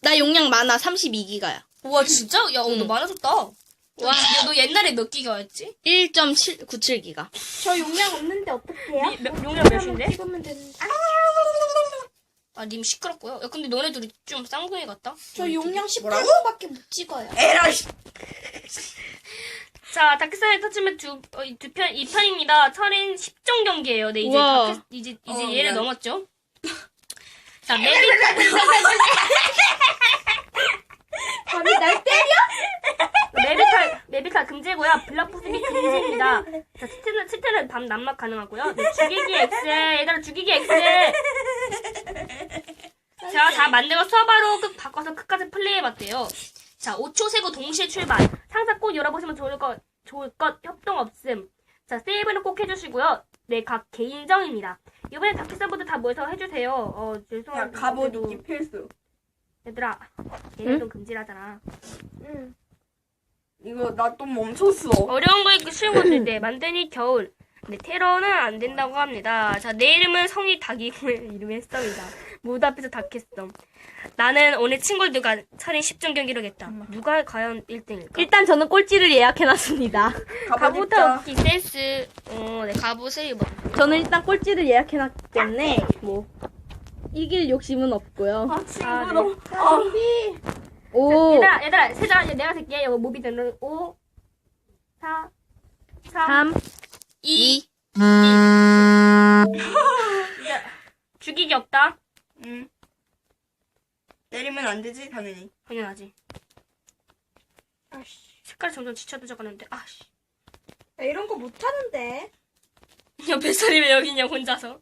나 용량 많아. 32기가야. 와 진짜? 야, 너 많아졌다. 와, 야, 너 옛날에 몇 기가였지? 1.97기가. 저 용량 없는데 어떡해요? 용량 몇인데? 찍으면 되는데. 아, 님 시끄럽고요. 야, 근데 너네 둘이 좀 쌍둥이 같다? 저 용량 18분밖에 못 찍어요. 에라이. 자, 다크사이드 터치면 두 편, 2편입니다. 철인 10종 경기예요. 네, 이제 우와. 이제 얘를 미안. 넘었죠? 자, 감히 날 때려? 메비탈 금지고요. 블락부스비 금지입니다. 자, 스테는 밤 난막 가능하고요. 네, 죽이기 X. 얘들아, 죽이기 X. 자, 다 만들고 서버로 바꿔서 끝까지 플레이해봤대요. 자, 5초 세고 동시에 출발. 상자 꼭 열어보시면 좋을 것, 협동 없음. 자, 세이브는 꼭 해주시고요. 네, 각 개인정입니다. 이번에 다크서버도 다 모여서 해주세요. 야, 죄송한데. 갑옷 그래도 입기 필수. 얘들아, 얘네 좀 금지라잖아. 응. 이거 나 또 멈췄어. 어려운 거 있고 쉬운 거 있을 때 만드니 겨울. 네, 테러는 안 된다고 합니다. 자, 내 이름은 성이 닭이고 이름이 햇성이다. 모두 앞에서 닭했어. 나는 오늘 친구들과 철인 10종 경기를 하겠다. 누가 과연 1등일까? 일단 저는 꼴찌를 예약해놨습니다. 갑옷 갑옷 입자. 없기 센스. 네, 갑옷을 입어. 저는 일단 꼴찌를 예약해놨기 때문에 뭐 이길 욕심은 없고요. 아, 친구 아, 네. 너무. 오, 얘들아, 세자, 내가 셀게. 이거 모비 되는 5, 4, 3, 3, 2. 죽이기 없다. 응. 때리면 안 되지, 당연히. 당연하지. 아씨. 색깔이 점점 지쳐들어가는데, 아씨. 나 이런 거 못하는데. 야, 뱃살이 왜 여기 있냐, 혼자서.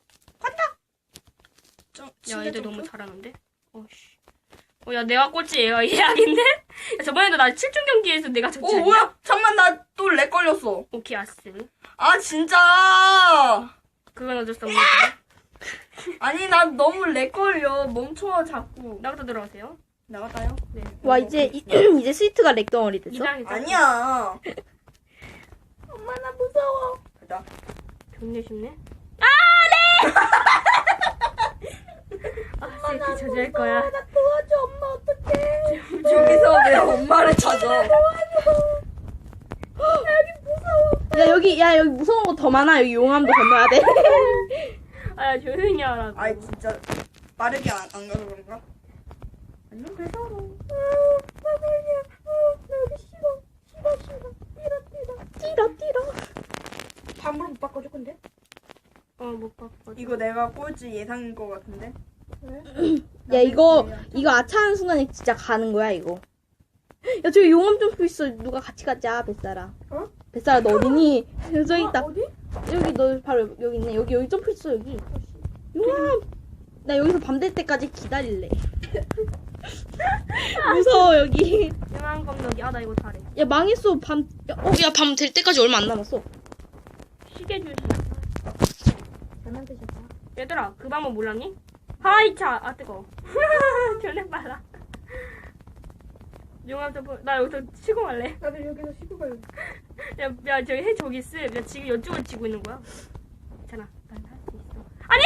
좀, 야, 애들 너무 잘하는데? 어씨. 야, 내가 꼴찌 얘가 예약인데? 야, 저번에도 나 7종 경기에서 내가 졌지 않냐? 뭐야? 잠만, 나 또 렉 걸렸어. 오케이, 아스. 아, 진짜. 그건 어쩔 수 없는 거야. 아니, 나 너무 렉 걸려. 멈춰, 자꾸. 나부터 들어가세요. 나갔다요? 네. 와 이제 이제 스위트가 렉덩어리 됐어? 이장이죠? 아니야. 엄마 나 무서워. 나. 존내 쉽네. 아, 새끼 저지할 거야. 나 도와줘 엄마 어떡해. 저기서 왜 엄마를 찾아? 야 여기 무서운 거 더 많아. 여기 용암도 건너야 돼. 아, 야, 조용히 하라고. 아이, 진짜. 빠르게 안 가서 그런가? 안녕 그래서. 나도야. 나 여기 싫어. 띠러. 반으로 못 바꿔줄 건데. 못 바꿔. 이거 내가 꼴찌 예상인 것 같은데? 야 이거 아차하는 순간에 진짜 가는 거야 이거. 야 저기 용암 점프 있어. 누가 같이 가자 뱃살아. 어? 뱃살아 너 어디니? 저기 있다. 어디? 여기 너 바로 여기 있네. 여기 점프 있어 여기. 용암. 나 여기서 밤 될 때까지 기다릴래. 무서워 여기. 이만 검덕이. 아, 나 이거 잘해. 야 망했어 밤. 야 밤 될 때까지 얼마 안 남았어. 시계 주시. 잘 만드셨다. 얘들아, 그 방법 몰랐니? 하이차! 아, 뜨거워. 존나 빨라. 용암 점프. 나 여기서 치고 갈래. 나도 여기서 쉬고 갈래. 야, 저기 해, 저기 있음. 야, 지금 이쪽을 치고 있는 거야. 괜찮아. 난 할 수 있어.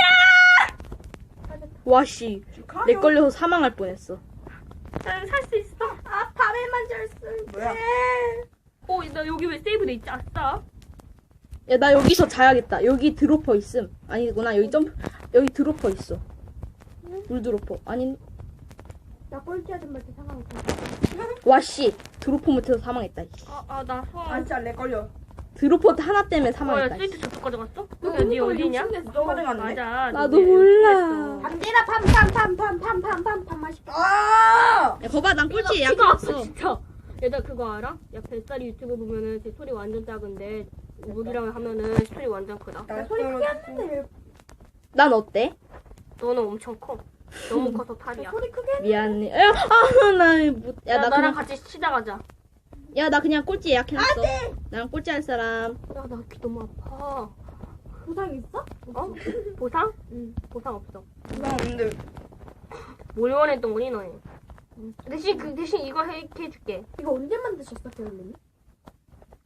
아니야! 와씨. 렉 걸려서 사망할 뻔했어. 난 살 수 있어. 아 밤에만 잘 쓸. 뭐야? 나 여기 왜 세이브 돼 있지? 아싸. 야 나 여기서 자야겠다. 여기 드로퍼 있음. 아니구나 여기 드로퍼 있어. 물 드로퍼. 아니 나 꼴찌 아줌마한테 상관없어. 와씨 드로퍼 못해서 사망했다. 씨. 나 아, 진짜 렉 걸려. 드로퍼 하나 때문에 야, 사망했다. 스위트 저쪽 가져갔어? 너 니 어디냐? 너 가져갔네. 맞아. 나도 너 몰라. 밤대라 팜 맛있다. 아! 야 거봐 난 꼴찌 키가 예약했어. 없어, 진짜. 얘들 그거 알아? 야, 뱃살이 유튜브 보면은 제 소리 완전 작은데 무기랑 하면은 소리 완전 크다. 나 소리 크게 하는데 난 어때? 너는 엄청 커. 너무 커서 탈이야. 소리 크게. 미안해. 야나 나랑 그냥 같이 시다 가자. 야 나 그냥 꼴찌 예약해놨어. 나랑 꼴찌 할 사람. 야, 나 귀 너무 아파. 부상 있어? 어? 보상? 응, 보상 없어. 그냥 없는데. 뭘 원했던 거니, 너희? 대신 이거 해줄게. 이거 언제 만드셨어, 배울님이?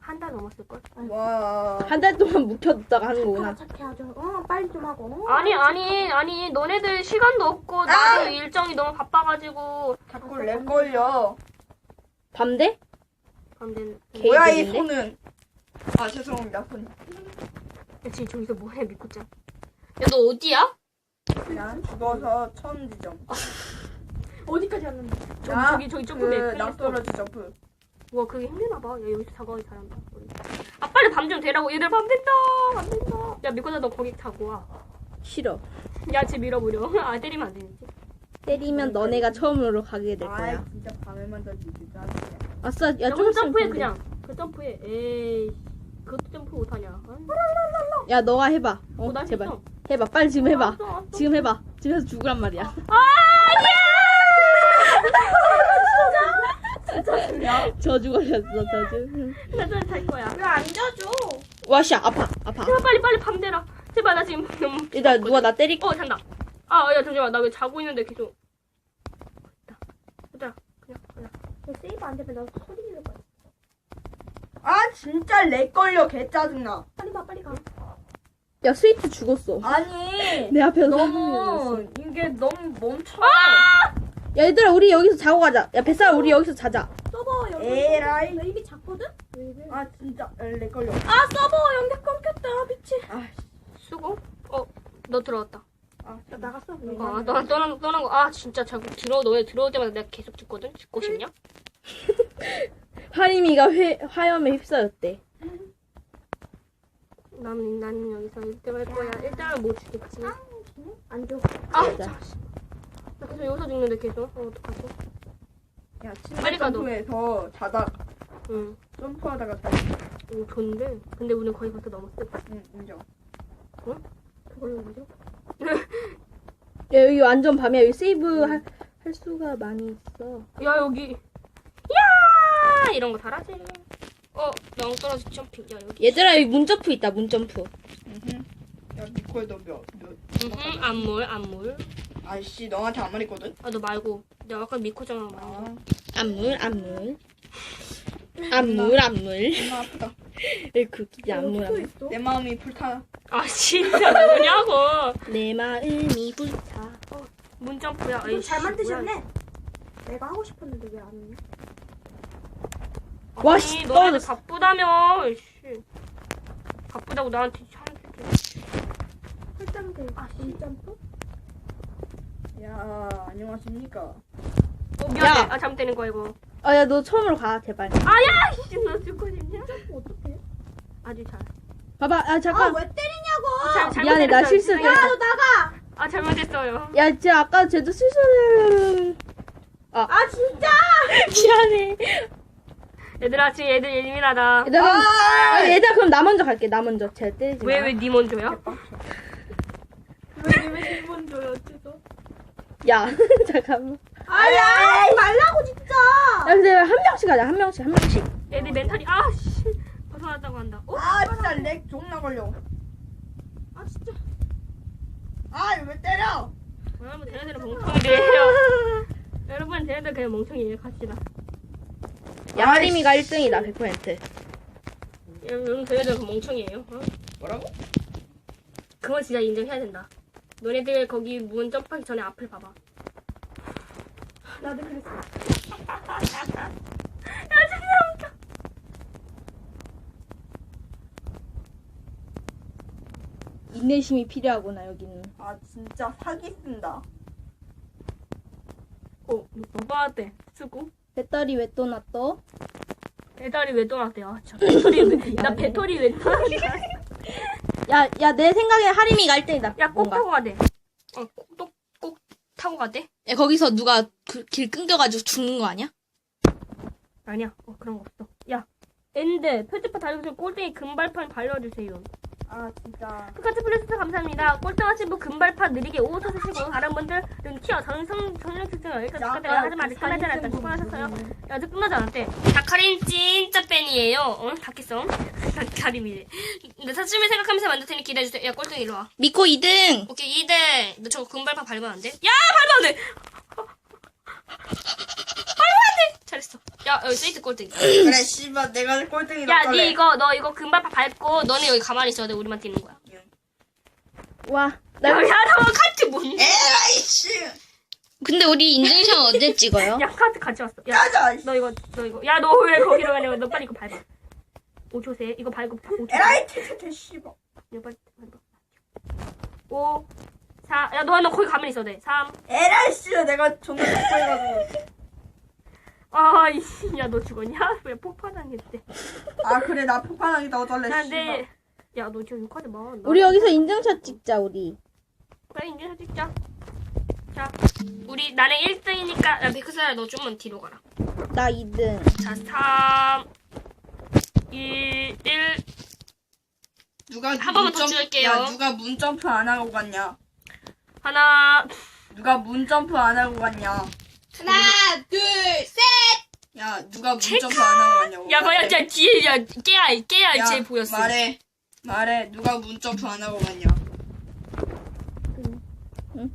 한 달 넘었을걸? 와. 한 달 동안 묵혀뒀다가 하는 거구나. 착해 아주. 빨리 좀 하고. 아니, 너네들 시간도 없고, 나도 일정이 너무 바빠가지고. 자꾸 렉 걸려. 밤대? 안 되는. 뭐야 이 개이득인데? 손은. 아 죄송합니다 손. 야, 지금 저기서 뭐해, 미코짱? 야, 너 어디야? 그냥 죽어서 처음 지점. 어디까지 왔는데? 저기 점프대. 그 낭떠러지 점프. 와, 그게 힘드나봐. 야, 여기서 자고 잘한다. 우리. 아, 빨리 밤 좀 되라고. 얘들 밤 된다. 밤 된다. 야, 미코짱 너 거기 자고 와. 싫어. 야, 쟤 밀어버려. 아, 때리면 안 되지. 때리면 너네가 처음으로 가게 될 아 거야. 진짜 밤에만 더 지지 짜증나. 아싸, 야, 야, 좀 그 있으면 점프해, 밤대. 그냥. 그 점프해. 에이. 그것도 점프 못하냐. 아이, 야, 너가 해봐. 나 제발. 했어. 해봐. 빨리 지금 해봐. 알았어. 지금 해봐. 지금 해서 죽으란 말이야. 저주 걸렸어, 저주. 나도 잘 거야. 왜 안 져줘? 와씨, 아파. 제발 빨리 밤 되라. 제발 나 지금 너무. 일단 누가 나 때릴 잔다. 아, 야, 잠시만. 나 왜 자고 있는데 계속. 얘들아, 그냥. 세이브 안 되면 나 소리 지를 거야. 아 진짜 렉 걸려 개 짜증나. 빨리 가 빨리 가. 야, 스위트 죽었어. 아니 내 앞에서 너무 이게 너무 멈춰. 야, 얘들아, 우리 여기서 자고 가자. 야, 뱃살 우리 여기서 자자. 서버 연결. 에라이. 나 이미 잤거든? 왜 이래? 아 진짜 렉 걸려. 아 서버 연결 끊겼다 미친. 수고? 너 들어왔다. 아 나 나갔어. 떠난 거. 아, 진짜 자꾸 너네 들어올 때마다 내가 계속 듣거든? 듣고 싶냐? 하림이가 화염에 휩싸였대. 나는 여기서 1등 할 거야. 1등을 못 주겠지. 안 줘. 아, 맞아. 나 계속 여기서 죽는데 계속. 어떡하지? 야 빨리 침대 가, 너. 점프해서 자다 응. 점프하다가 다. 오, 좋은데? 근데 우리는 거의 벌써 넘었어. 응 인정. 그걸로 뭐죠? 야, 여기 완전 밤이야. 여기 세이브 할 수가 많이 있어. 야, 여기. 야! 이런 거 잘하지. 명 떨어지 점핑. 야, 여기. 얘들아, 여기 문점프 있다, 문점프. 야 니콜 너몇 안물. 아이씨 너한테 안 말했거든. 아, 너 말고. 내가 아까 미코장랑 말한 거. 아 안물. 존나 아프다. 그게 안물. 있어? 내 마음이 불타. 아, 진짜 뭐냐고. 내 마음이 불타. 문점프야. 이거 잘 만드셨네. 내가 하고 싶었는데 왜 안 했냐? 와, 씨, 너네들 떨어졌어. 바쁘다며. 씨. 바쁘다고 나한테 설정들 인점프? 야 안녕하십니까. 미안해. 야. 아, 잘못되는 거야, 이거. 야, 너 처음으로 가, 제발. 아야! 씨, 너 죽고 싶냐? 어떡해? 아주 잘. 봐봐, 잠깐. 왜 때리냐고? 미안해, 나 실수했어. 야 너 나가. 아, 잘못했어요. 야, 진짜 아까 쟤도 실수를. 아 진짜. 미안해. 얘들아, 지금 얘들 예민하다. 얘들아, 그럼 나 먼저 갈게, 나 먼저. 쟤 때리지 마. 왜 니 먼저야? 왜 기분 줘요 어째서? 야, 잠깐만. 아야 말라고 진짜. 야, 근데 한 명씩 가자, 한 명씩. 애들 멘탈이, 씨. 벗어났다고 한다. 아 진짜 렉 존나 걸려. 아 진짜. 아 왜 때려? 여러분, 쟤네들은 멍청이래요. 여러분, 쟤네들 그냥 멍청이에요. 갑시다. 야, 하림이가 1등이다, 100%. 여러분, 쟤네들은 멍청이에요. 뭐라고? 그건 진짜 인정해야 된다. 너네들 거기 문 점프하기 전에 앞을 봐봐. 나도 그랬어. 인내심이 필요하구나, 여기는. 아 진짜 사기 쓴다. 오빠한테 쓰고. 배터리 왜 또 놔둬? 배터리 왜 떠났대요? 아, 저 배터리 왜, 나 배터리 왜 떠났대? 야, 내 생각엔 하림이가 1등이다. 야, 꼭 뭔가. 타고 가대. 꼭 타고 가대? 야, 거기서 누가 길 끊겨가지고 죽는 거 아니야? 아니야. 그런 거 없어. 야, 엔드, 표지판 달려주세요. 꼴등이 금발판 발려주세요. 아 진짜. 스카트 플레이스 감사합니다. 꼴등하신 분 금발판 느리게 5호 쓰시고 다른 분들은 튀어 전력 특징을 여기까지 축하드려요. 하지만 아직 끝나지 않았다. 수고하셨어요. 야, 아직 끝나지 않았대. 다카린 진짜 팬이에요. 다키성. 다카림이래. 근데 사심을 생각하면서 만들 테니 기대해주세요. 야, 꼴등 이리 와. 미코 2등! 오케이, 2등. 너 저거 금발판 밟으면 안 돼? 야, 밟으면 안 돼! 밟으면 안 돼! 잘했어. 야, 여기 세이트 꼴등. 그래, 씨발, 내가 꼴등이다. 야, 니 너 이거 금발 밟고, 너네 여기 가만히 있어야 돼. 우리만 뛰는 거야. 와. 야, 나 너 카트 뭔데? 에라이씨! 근데 우리 인증샷 언제 찍어요? 야, 카트 같이 왔어. 야, 가자! 너 이거. 야, 너 왜 거기로 가냐고. 너 빨리 이거 밟아. 5초 세. 이거 밟고 5초. 에라이, 퇴퇴퇴, 씨발. 이거 빨리 밟아. 5, 4. 야, 너 거기 가만히 있어야 돼. 3. 에라이씨, 내가 존나 족해가지고. 아, 이씨. 야, 너 죽었냐? 왜 폭파당했대. 아, 그래, 나 폭발하기다 어쩔래, 야, 씨발. 근데. 야, 너 지금 욕하지 마. 나- 우리 여기서 인증샷 찍자 우리. 그래, 인증 사진 찍자. 자, 우리, 나는 1등이니까, 야, 백크사야, 너 좀만 뒤로 가라. 나 2등. 자, 3, 2, 1. 누가 한 번만 더 문점- 찍을게요. 야, 누가 문점프 안 하고 갔냐? 하나, 누가 문점프 안 하고 갔냐? 하나, 둘, 셋. 야, 누가 문점프 안 하고 갔냐고. 야, 뭐야, 야, 뒤에, 야, 깨야, 야, 쟤 보였어. 말해. 누가 문점프 안 하고 갔냐? 응?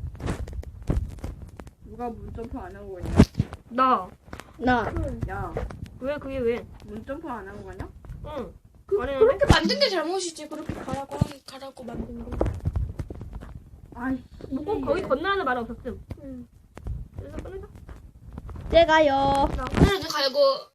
누가 문점프 안 하고 갔냐? 나. 나. 야, 왜, 그게 왜? 문점프 안 하고 갔냐? 응. 그, 그렇게 만든 게 잘못이지. 그렇게 가라고 만든 거. 아이, 뭐, 꼭 거기 건너는 말 없었음. 응. 그래서 끊자. 제가요. 그래도 갈고